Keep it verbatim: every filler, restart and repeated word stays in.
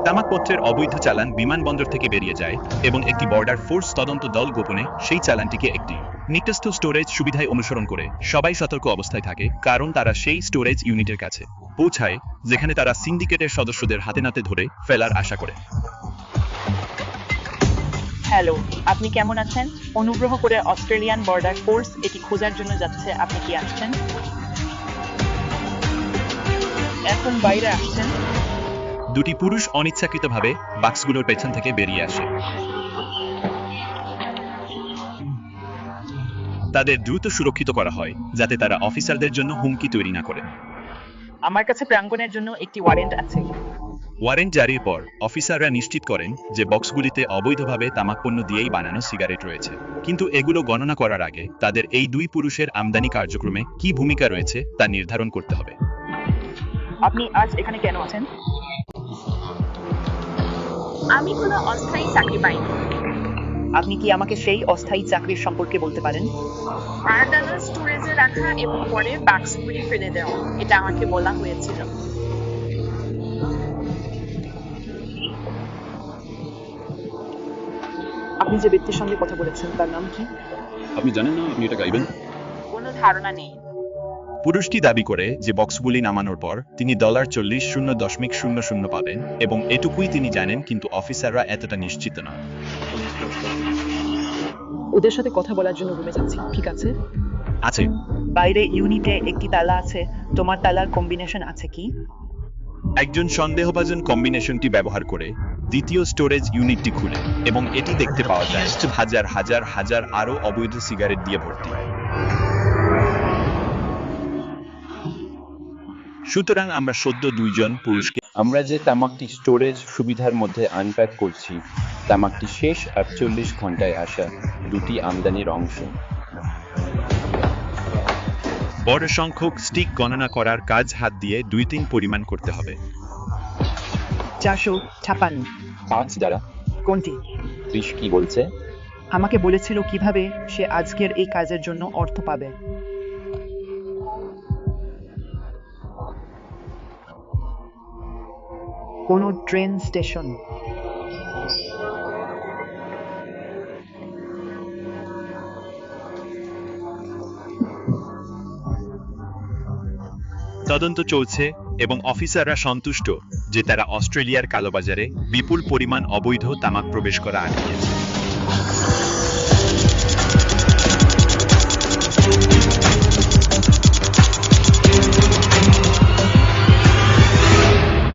তামাকপত্রের অবৈধ চালান বিমানবন্দর থেকে বেরিয়ে যায় এবং একটি বর্ডার ফোর্স তদন্ত দল গোপনে সেই চালানটিকে একটি নির্দিষ্ট স্টোরেজ সুবিধায় অনুসরণ করে সবাই সতর্ক অবস্থায় থাকে, কারণ তারা সেই স্টোরেজ ইউনিটের কাছে পৌঁছায় যেখানে তারা সিন্ডিকেটের সদস্যদের হাতে নাতে ধরে ফেলার আশা করে। হ্যালো, আপনি কেমন আছেন? অনুগ্রহ করে অস্ট্রেলিয়ান বর্ডার ফোর্স এটি খোঁজার জন্য যাচ্ছে। আপনি কি আসছেন? এখন বাইরে আসছেন? দুটি পুরুষ অনিচ্ছাকৃতভাবে বাক্সগুলোর পেছন থেকে বেরিয়ে আসে। তাদের দ্রুত সুরক্ষিত করা হয় যাতে তারা অফিসারদের জন্য হুমকি তৈরি না করে। আমার কাছে প্রাঙ্গণের জন্য একটি ওয়ারেন্ট আছে। ওয়ারেন্ট জারির পর অফিসাররা নিশ্চিত করেন যে বক্সগুলিতে অবৈধভাবে তামাকপণ্য দিয়েই বানানো সিগারেট রয়েছে, কিন্তু এগুলো গণনা করার আগে তাদের এই দুই পুরুষের আমদানি কার্যক্রমে কি ভূমিকা রয়েছে তা নির্ধারণ করতে হবে। আপনি আজ এখানে কেন আছেন? আমি কোনো অস্থায়ী চাকরি পাইনি। আপনি কি আমাকে সেই অস্থায়ী চাকরির সম্পর্কে বলতে পারেন? আর্দানা স্টোরেজে রাখা এবং পরে বাক্সগুলি ফেলে দেওয়া, এটা আমাকে বলা হয়েছিল। আপনি যে ব্যক্তির সঙ্গে কথা বলেছেন তার নাম কি? আপনি জানেন না আপনি এটা গাইবেন? কোনো ধারণা নেই। পুরুষটি দাবি করে যে বক্সগুলি নামানোর পর তিনি ডলার চল্লিশ শূন্য দশমিক শূন্য শূন্য পাবেন এবং এটুকুই তিনি জানেন, কিন্তু অফিসাররা এতটা নিশ্চিত নয়। ওদের সাথে কথা বলার জন্য রুমে যাচ্ছি, ঠিক আছে? আছে। বাইরে ইউনিটে একটি তালা আছে। তোমার তালার কম্বিনেশন আছে কি? একজন সন্দেহভাজন কম্বিনেশনটি ব্যবহার করে দ্বিতীয় স্টোরেজ ইউনিটটি খুলে এবং এটি দেখতে পাওয়া যায় হাজার হাজার হাজার আরও অবৈধ সিগারেট দিয়ে ভর্তি। সুতরাং আমরা সদ্য দুইজন পুরুষকে আমরা যে তামাকটি স্টোরেজ সুবিধার মধ্যে আনপ্যাক করছি, তামাকটি শেষ আটচল্লিশ ঘন্টায় আসা দুটি আমদানির অংশ। বড় সংখ্যক স্টিক গণনা করার কাজ হাত দিয়ে দুই তিন পরিমাণ করতে হবে। চারশো ছাপান্ন। পাঁচ দ্বারা কোনটি? ত্রিশ কি বলছে? আমাকে বলেছিল কিভাবে সে আজকের এই কাজের জন্য অর্থ পাবে। কোনো ট্রেন স্টেশন? তদন্ত চলছে এবং অফিসাররা সন্তুষ্ট যে তারা অস্ট্রেলিয়ার কালোবাজারে বিপুল পরিমাণ অবৈধ তামাক প্রবেশ করা আটকিয়েছে।